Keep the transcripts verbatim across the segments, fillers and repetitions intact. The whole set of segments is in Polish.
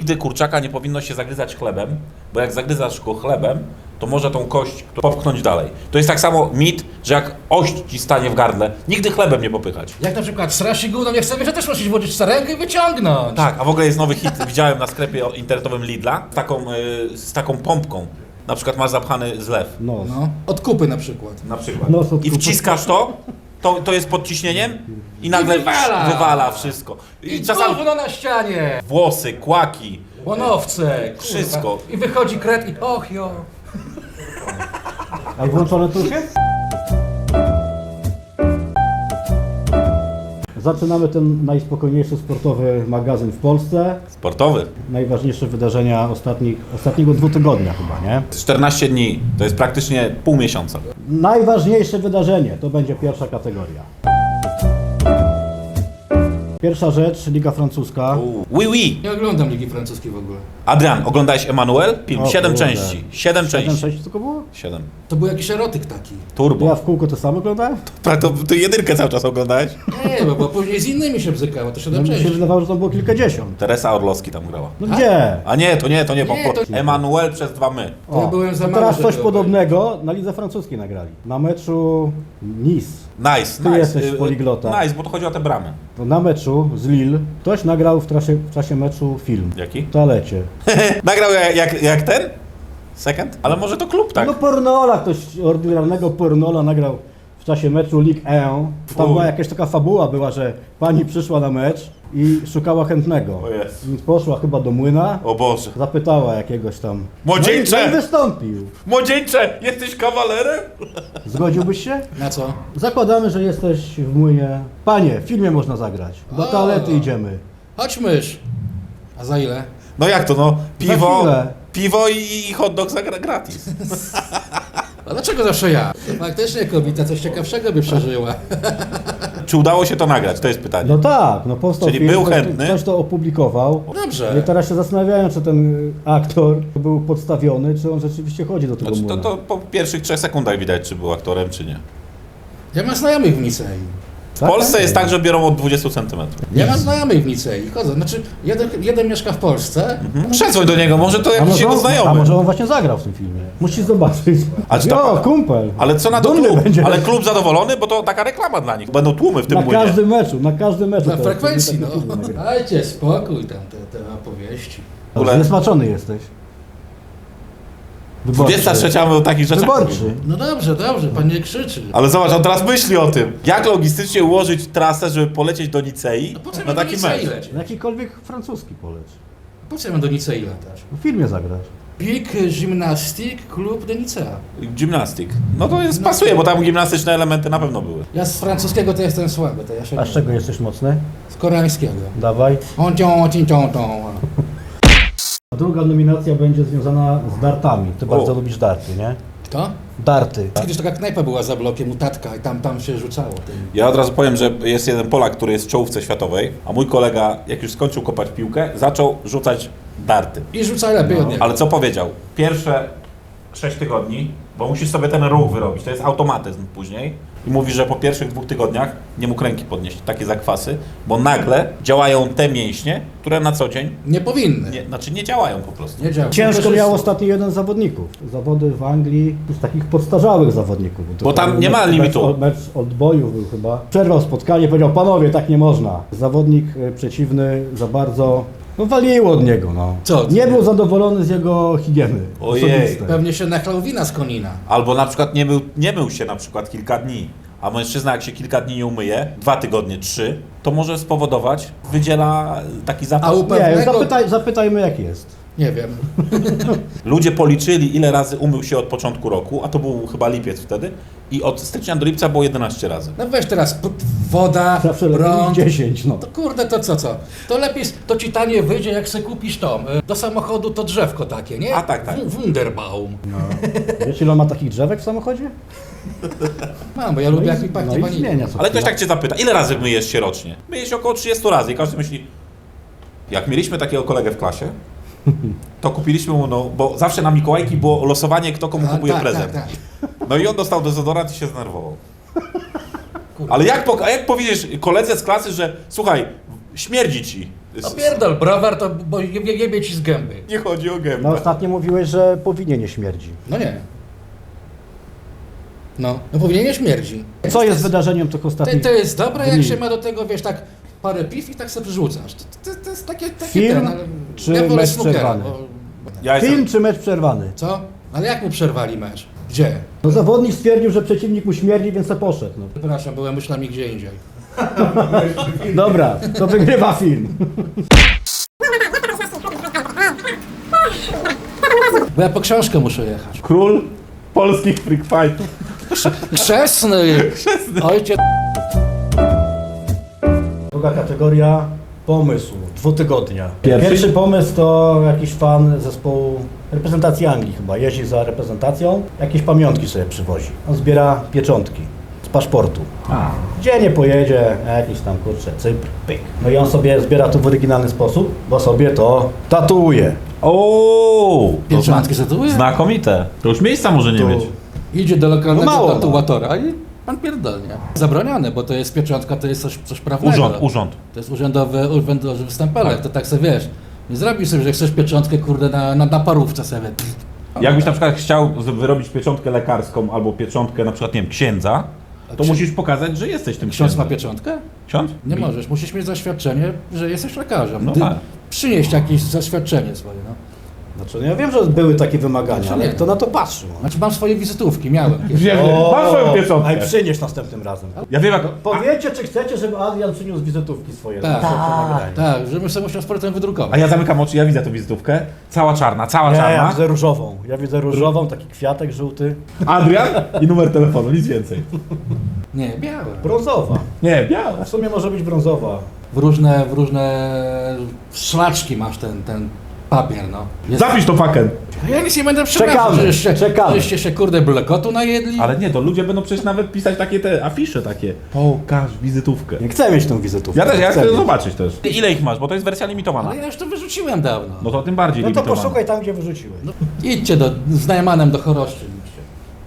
nigdy kurczaka nie powinno się zagryzać chlebem, bo jak zagryzasz go chlebem, to może tą kość popchnąć dalej. To jest tak samo mit, że jak ość ci stanie w gardle, nigdy chlebem nie popychać. Jak na przykład srasz i gówno nie chce, że też musisz włożyć rękę i wyciągnąć. Tak, a w ogóle jest nowy hit, widziałem na sklepie internetowym Lidla, z taką, y, z taką pompką. Na przykład masz zapchany zlew. No. No, od kupy na przykład. Na przykład. No, to- I wciskasz to, to, to jest pod ciśnieniem i nagle I wywala. wywala wszystko. I, I czasami gówno na ścianie. włosy, kłaki. Łonowce, kurwa. Wszystko. I wychodzi kret i och jo. A i włączone tu już jest? Zaczynamy ten najspokojniejszy sportowy magazyn w Polsce. Sportowy. Najważniejsze wydarzenia ostatnich, ostatniego dwutygodnia chyba, nie? czternaście dni, to jest praktycznie pół miesiąca. Najważniejsze wydarzenie to będzie pierwsza kategoria. Pierwsza rzecz, Liga Francuska. Oui, oui. Nie oglądam Ligi Francuskiej w ogóle. Adrian, oglądałeś Emanuel? Film, O siedem kurde. części. Siedem Siedem części. sześć tylko było? Siedem. To był jakiś erotyk taki. Turbo. Ja w kółko to samo oglądałem? To, to, to jedynkę cały czas oglądałeś? Nie, bo, bo później z innymi się bzykało, to się No, da mi się przejść. wydawało, że to było kilkadziesiąt. Teresa Orlowski tam grała. No gdzie? A nie, to nie, to nie, bo Nie, to- Emanuel przez dwa my. To ja byłem za to mały, teraz żeby coś to podobnego na Lidze Francuskiej nagrali. Na meczu Nice. Nice, Ty nice. jesteś Y, y, poliglota. Nice, bo to chodzi o te bramy. To na meczu z Lille ktoś nagrał w czasie, w czasie meczu film. Jaki? W toalecie. Nagrał jak, jak, jak ten? Second? Ale może to klub, tak? No pornola, ktoś ordynarnego pornola nagrał w czasie meczu Ligue jeden. Tam Fuj. była jakaś taka fabuła była, że pani przyszła na mecz i szukała chętnego. O jest. Więc poszła chyba do młyna, O Boże. zapytała jakiegoś tam. Młodzieńcze! No i, no i wystąpił. Młodzieńcze, jesteś kawalerem? Zgodziłbyś się? Na co? Zakładamy, że jesteś w młynie. Panie, w filmie można zagrać. Do O. toalety idziemy. Chodź mysz. A za ile? No jak to, no? Piwo, chwilę. piwo i, i hot dog za gra- gratis. A dlaczego zawsze ja? Faktycznie kobieta coś ciekawszego by przeżyła. Czy udało się to nagrać? To jest pytanie. No tak, no powstał Czyli film, był ktoś, chętny? ktoś to opublikował. Dobrze. No i teraz się zastanawiają, czy ten y, aktor był podstawiony, czy on rzeczywiście chodzi do tego Znaczy, to, młyna. to po pierwszych trzech sekundach widać, czy był aktorem, czy nie. Ja mam znajomych w Nicei. W Polsce tak? jest tak, że biorą od dwudziestu centymetrów. Ja mam znajomych w Nicei. Chodzę. Znaczy, jeden, jeden mieszka w Polsce. Mhm. Przedzwoń do niego, może to A jakiś może, jego on, a znajomy. może on właśnie zagrał w tym filmie. Musisz zobaczyć. A czy to- Jo, kumpel. Ale co na to Dumny klub? będzie. Ale klub zadowolony, bo to taka reklama dla nich. Będą tłumy w tym Na młynie. każdym meczu, na każdym meczu. Na to- frekwencji, to- no. to- to- to- to- to- Dajcie spokój tam, te, te opowieści. W ogóle- Zniesmaczony jesteś. dwudziesta trzecia o takich rzeczach. Wyborczy. No dobrze, dobrze, pan nie krzyczy. Ale zobacz, on teraz myśli o tym. Jak logistycznie ułożyć trasę, żeby polecieć do Nicei No po co na mam do taki Nicei mecz? lecieć? Na jakikolwiek francuski poleć. Po co ja mam do Nicei latać? W filmie zagrać. Big Gymnastic Club de Nicea. Gimnastyk. No to jest, pasuje, bo tam gimnastyczne elementy na pewno były. Ja z francuskiego to jestem słaby, to ja się A z czego jesteś mocny? Z koreańskiego. Dawaj. On cią, cią, cią, cią. A druga nominacja będzie związana z dartami. Ty O. bardzo lubisz darty, nie? Kto? Darty. Kiedyś taka knajpa była za blokiem u tatka i tam, tam się rzucało. Tym. Ja od razu powiem, że jest jeden Polak, który jest w czołówce światowej, a mój kolega, jak już skończył kopać piłkę, zaczął rzucać darty. I rzuca lepiej od niego. Ale co powiedział? Pierwsze sześć tygodni, bo musisz sobie ten ruch wyrobić, to jest automatyzm później. I mówi, że po pierwszych dwóch tygodniach nie mógł ręki podnieść, takie zakwasy, bo nagle działają te mięśnie, które na co dzień, Nie powinny. nie, znaczy nie działają po prostu. Nie działa. Ciężko Tylko, miał że- ostatnio jeden z zawodników. Zawody w Anglii z takich podstarzałych zawodników. To Bo tam nie ma mecz- limitu. Mecz, mecz Oldboyów był chyba. Przerwał spotkanie, powiedział, panowie, tak nie można. Zawodnik e, przeciwny za bardzo, no waliło od niego, no. Co? Nie był zadowolony z jego higieny Ojej. osobistej. Pewnie się nachlał wina z konina. Albo na przykład nie, mył, nie mył się na przykład kilka dni, a mężczyzna jak się kilka dni nie umyje, dwa tygodnie, trzy, to może spowodować, wydziela taki A zapas. u Nie, pewnego... zapytaj, zapytajmy jak jest. Nie wiem. Ludzie policzyli, ile razy umył się od początku roku, a to był chyba lipiec wtedy, i od stycznia do lipca było jedenaście razy. No weź teraz p- woda, Zawsze lepiej prąd. niż dziesięć, no. To kurde, to co, co? To lepiej, to ci taniej wyjdzie, jak se kupisz to. y, Do samochodu to drzewko takie, nie? A, tak, tak. W- Wunderbaum. Wiesz ile on ma takich drzewek w samochodzie? Mam, bo ja No lubię i- jak mi pachnie no i wanilią. zmienia co Ale ktoś chwila. tak cię zapyta, ile razy myjesz się rocznie? Myjesz się około trzydzieści razy i każdy myśli, jak mieliśmy takiego kolegę w klasie, to kupiliśmy mu, no, bo zawsze na Mikołajki było losowanie, kto komu A, kupuje tak, prezent. tak, tak. No i on dostał dezodorant i się zdenerwował. Ale jak, po- a jak powiedziesz koledze z klasy, że słuchaj, śmierdzi ci, No pierdol, browar to bo jebie, jebie ci z gęby. Nie chodzi o gębę. No ostatnio mówiłeś, że powinie nie śmierdzi. No nie. No, no powinien nie śmierdzi. Co jest wydarzeniem tych To, ostatnich to jest dobre, jak dni? się ma do tego, wiesz, tak parę piw i tak sobie przerzucasz. To, to, to jest takie, takie Film ten, ale czy ja wolę mecz snookera, przerwany? bo- Ja jestem... Film czy mecz przerwany? Co? Ale jak mu przerwali mecz? Gdzie? No zawodnik stwierdził, że przeciwnik mu śmierdzi, więc se poszedł. No. Przepraszam, byłem myślami gdzie indziej. Dobra, to wygrywa film. Bo ja po książkę muszę jechać. Król polskich freak fightów. Krzesny! Ojciec... Druga kategoria, pomysł, dwutygodnia. Pierwszy? Pierwszy pomysł to jakiś fan zespołu reprezentacji Anglii chyba, jeździ za reprezentacją, jakieś pamiątki sobie przywozi. On zbiera pieczątki z paszportu. A. Gdzie nie pojedzie, jakiś tam kurczę, Cypr, pyk. No i on sobie zbiera to w oryginalny sposób, bo sobie to tatuuje. O, Pieczątki tatuuje? Znakomite. To już miejsca może nie Tu. mieć. Idzie do No lokalnego mało, no. tatuatora i pan pierdolnie. Zabronione, bo to jest pieczątka, to jest coś, coś prawnego. Urząd, urząd. To jest urzędowy, urzędowy wstępelek, to tak sobie wiesz. Nie zrobisz sobie, że chcesz pieczątkę, kurde, na, na, na parówce sobie. Jakbyś na przykład chciał z- wyrobić pieczątkę lekarską albo pieczątkę na przykład, nie wiem, księdza, to księ- musisz pokazać, że jesteś tym Ksiądz ma księdzem. pieczątkę? Ksiądz? Nie możesz, musisz mieć zaświadczenie, że jesteś lekarzem. No Ty tak. Przynieść jakieś zaświadczenie swoje, no. Znaczy, no ja wiem, że były takie wymagania, Znaczy ale nie. kto na to patrzył? Znaczy mam swoje wizytówki, miałem. kiedyś. Wiem, masz swoją Aj pieczątkę. przynieś następnym razem. Ja wiem jak... Powiedzcie, czy chcecie, żeby Adrian przyniósł wizytówki swoje. Tak, na następne nagranie. Tak, żebym sobie musiał z portem wydrukować. A ja zamykam oczy, ja widzę tą wizytówkę. Cała czarna, cała Nie, ja czarna. widzę różową. Ja widzę różową, taki kwiatek żółty. Adrian i numer telefonu, nic więcej. Nie, białe. Brązowa. Nie, biała. W sumie może być brązowa. W różne, w różne szlaczki masz ten, ten papier, no. Jest... Zapisz to faken. Ja nic nie będę przepraszał, Czekamy, żeście, czekamy. żeście się kurde blekotu najedli. Ale nie, to ludzie będą przecież nawet pisać takie te afisze takie. Pokaż wizytówkę. Nie chcę mieć tą wizytówkę. Ja też, ja chcę mieć. zobaczyć też. Ile ich masz, bo to jest wersja limitowana. Ale ja już to wyrzuciłem dawno. No to tym bardziej No to limitowana. poszukaj tam, gdzie wyrzuciłeś. Idźcie do, z Najmanem do Choroszczy. idźcie.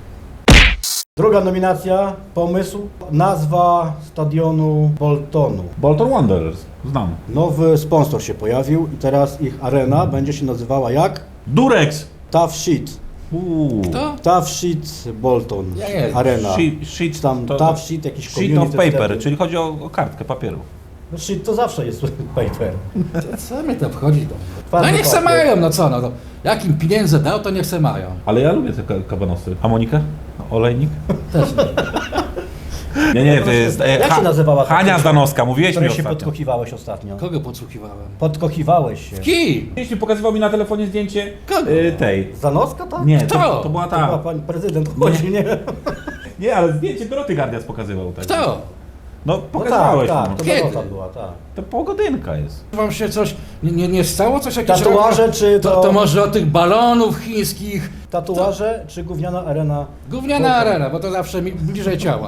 Druga nominacja, pomysł, nazwa stadionu Boltonu. Bolton Wanderers, znam. Nowy sponsor się pojawił i teraz ich arena będzie się nazywała jak? Durex! Tough Shit. Uuu. Kto? Tough Shit Bolton Ja nie. Arena. Sheet, sheet, Tam to, tough shit, jakiś sheet of community paper, wtedy. czyli chodzi o, o kartkę papieru. No shit to zawsze jest paper. Co, co mnie to obchodzi? To? Twardy No niech se papier. mają, no co no. To, jak im pieniędzy dał, to niech se mają. Ale ja lubię te ka- kabanosy. A Monika? Olejnik? Też nie. Nie, nie, to jest... e, Jak się nazywała ta Hania dziewczyna, Zdanowska, mówiłeś mi Której się ostatnio. podkochiwałeś ostatnio. Kogo podsłuchiwałem? Podkochiwałeś się. Ki! Jeśli pokazywał mi na telefonie zdjęcie Kogo? e, tej. Zanowska tak? Nie, Kto? to, to była To chyba ta. pan prezydent chodzi, nie? Nie, ale zdjęcie Doroty Gardias pokazywał. Tak. Kto? No No pokazywałeś tak, mu. tak, to Kiedy? Zanowska była, tak. To pogodynka jest. Wam się coś, nie, nie, nie stało coś jakieś... Tatuaże czy to, to... to może o tych balonów chińskich. Tatuaże czy gówniana arena? Gówniana Bolton. arena, bo to zawsze mi bliżej ciała.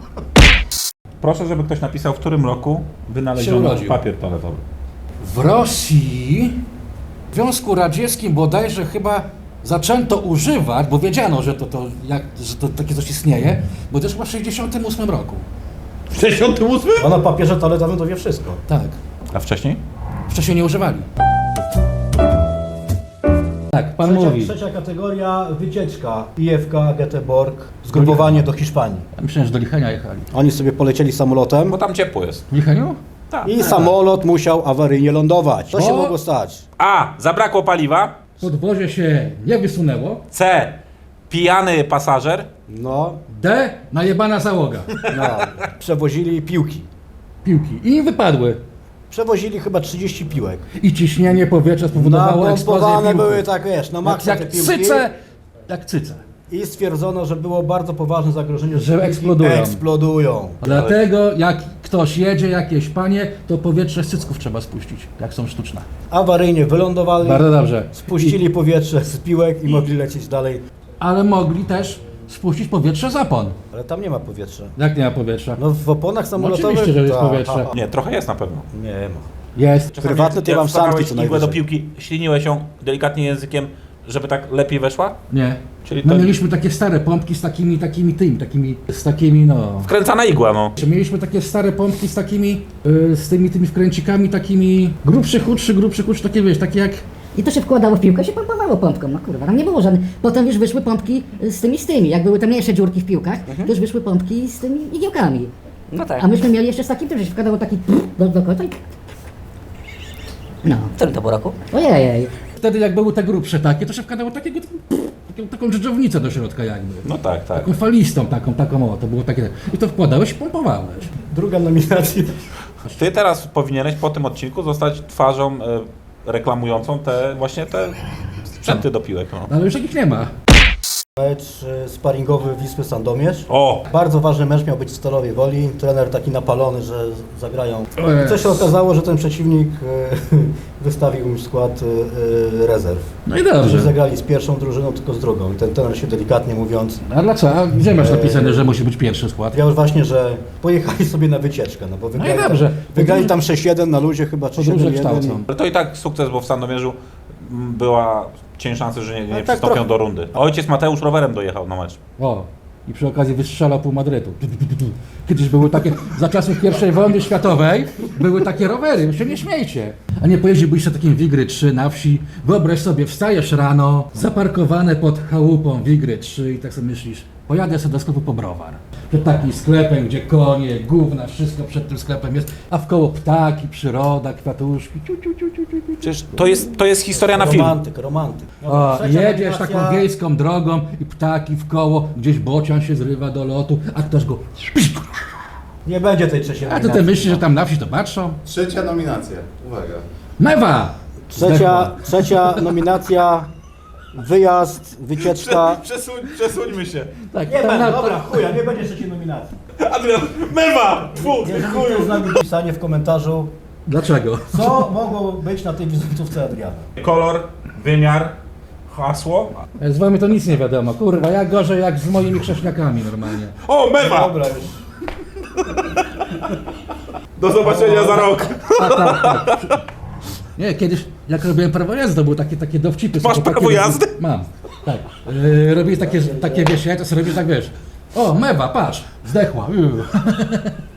Proszę, żeby ktoś napisał, w którym roku Się wynaleziono urodził. papier toaletowy. W Rosji, w Związku Radzieckim bodajże chyba zaczęto używać, bo wiedziano, że to, to, jak, że to takie coś istnieje, bo to jest chyba w sześćdziesiątym ósmym roku. W sześćdziesiątym ósmym? Ona papierze toaletowym to wie wszystko. Tak. A wcześniej? Wcześniej nie używali. Tak, pan Trzecia, mówi. trzecia kategoria, wycieczka. I F K, Göteborg, zgrupowanie do Hiszpanii. Myślałem, że do Lichenia jechali. Oni sobie polecieli samolotem Bo tam ciepło jest. W Licheniu? Tak. i samolot musiał awaryjnie lądować. Co się O! mogło stać? A. Zabrakło paliwa. Podwozie się nie wysunęło. C. Pijany pasażer. No, D. Najebana załoga. no, przewozili piłki. Piłki. I im wypadły. Przewozili chyba trzydzieści piłek. I ciśnienie powietrza spowodowało eksplozję Napompowane piłki. były tak, wiesz, na Jak, maksa te jak piłki. cyce, jak cyce. I stwierdzono, że było bardzo poważne zagrożenie, Że piłki eksplodują. eksplodują. Dlatego jak ktoś jedzie, jakieś panie, to powietrze z cycków trzeba spuścić, jak są sztuczne. Awaryjnie wylądowali, Bardzo dobrze. spuścili powietrze z piłek i mogli lecieć dalej. Ale mogli też spuścić powietrze z opon. Ale tam nie ma powietrza. Jak nie ma powietrza? No w oponach samolotowych... oczywiście, że jest tak, powietrze. aha. Nie, trochę jest na pewno. Nie ma. Jest. Prywatny to ja mam wstawałeś sanki co igłę do najwyżej. piłki, śliniłeś ją delikatnie językiem, żeby tak lepiej weszła? Nie. Czyli My to mieliśmy takie stare pompki z takimi, takimi tymi, takimi, z takimi no... wkręcana igła, no. Mieliśmy takie stare pompki z takimi, y, z tymi, tymi wkręcikami takimi, grubszy, chudszy, grubszy, chudszy, takie wiesz, takie jak... I to się wkładało w piłkę, się pompowało pompką, no kurwa, tam nie było żadnych. Potem już wyszły pompki z tymi, z tymi, jak były te mniejsze dziurki w piłkach, to już wyszły pompki z tymi igiełkami. No tak. A myśmy mieli jeszcze z takim, tym, że się wkładało taki do, do końca i... No, W którym to było roku? ojej. Wtedy jak były te grubsze takie, to się wkładało takiego, taką, taką dżdżownicę do środka jakby. No tak, tak. Taką falistą, taką, taką, o, to było takie... I to wkładałeś i pompowałeś. Druga nominacja. Ty teraz powinieneś po tym odcinku zostać twarzą e, reklamującą te właśnie te sprzęty do piłek. No. Ale już takich nie ma. Mecz y, sparingowy Wisły Sandomierz. O! Bardzo ważny mecz miał być w Stalowej Woli. Trener taki napalony, że zagrają. Ojej. Co się okazało, że ten przeciwnik y, wystawił im skład y, y, rezerw. No i Że dobrze. zagrali z pierwszą drużyną, tylko z drugą. I ten trener się delikatnie mówiąc A dlaczego? A gdzie masz napisane, że musi być pierwszy skład? powiedział właśnie, że pojechali sobie na wycieczkę, no bo wygrali, No dobrze. tam, wygrali tam sześć jeden na luzie chyba, czy Podróże siedem jeden. kształcą. Ale to i tak sukces, bo w Sandomierzu m, była cień szansy, że nie, nie tak przystąpią trochę. do rundy. A ojciec Mateusz rowerem dojechał na mecz. O, i przy okazji wystrzelał pół Madrytu. Kiedyś były takie, za czasów pierwszej wojny światowej, były takie rowery, wy się nie śmiejcie. A nie pojeździłbyś sobie takim Wigry trzy na wsi, wyobraź sobie, wstajesz rano, zaparkowane pod chałupą Wigry trzy i tak sobie myślisz, pojadę sobie do sklepu po browar. Przed takim sklepem, gdzie konie, gówna, wszystko przed tym sklepem jest, a wkoło ptaki, przyroda, kwiatuszki, ciu, ciu, ciu, ciu, ciu, ciu. Przecież to jest, to jest historia na film. Romantyk, romantyk. O, Trzecia jedziesz nominacja. taką wiejską drogą i ptaki w koło, gdzieś bocian się zrywa do lotu, a ktoś go... Nie będzie tej trzeciej A ty nominacji. te myślisz, że tam na wsi to patrzą? Trzecia nominacja. Uwaga. Mewa! Trzecia, trzecia nominacja, wyjazd, wycieczka. Przesuń, przesuńmy się. Tak, Nie tam będzie, na- dobra, chuja, nie będzie trzeciej nominacji. Adrian, mewa! Tfu, Jeżeli ktoś z nami pisanie w komentarzu, Dlaczego? co mogło być na tej wizytówce Adriana. Kolor, wymiar, hasło. Z wami to nic nie wiadomo, kurwa, jak gorzej jak z moimi chrześniakami normalnie. O, mewa! Dobra już. Do zobaczenia za rok. Tak, tak, tak. Nie, kiedyś jak robiłem prawo jazdy, to były takie, takie dowcipy. Masz sobie prawo takie- jazdy? Mam, tak. Yy, robię takie, takie wiesz, ja to sobie robisz tak, wiesz, o, mewa, patrz, zdechła. Yy.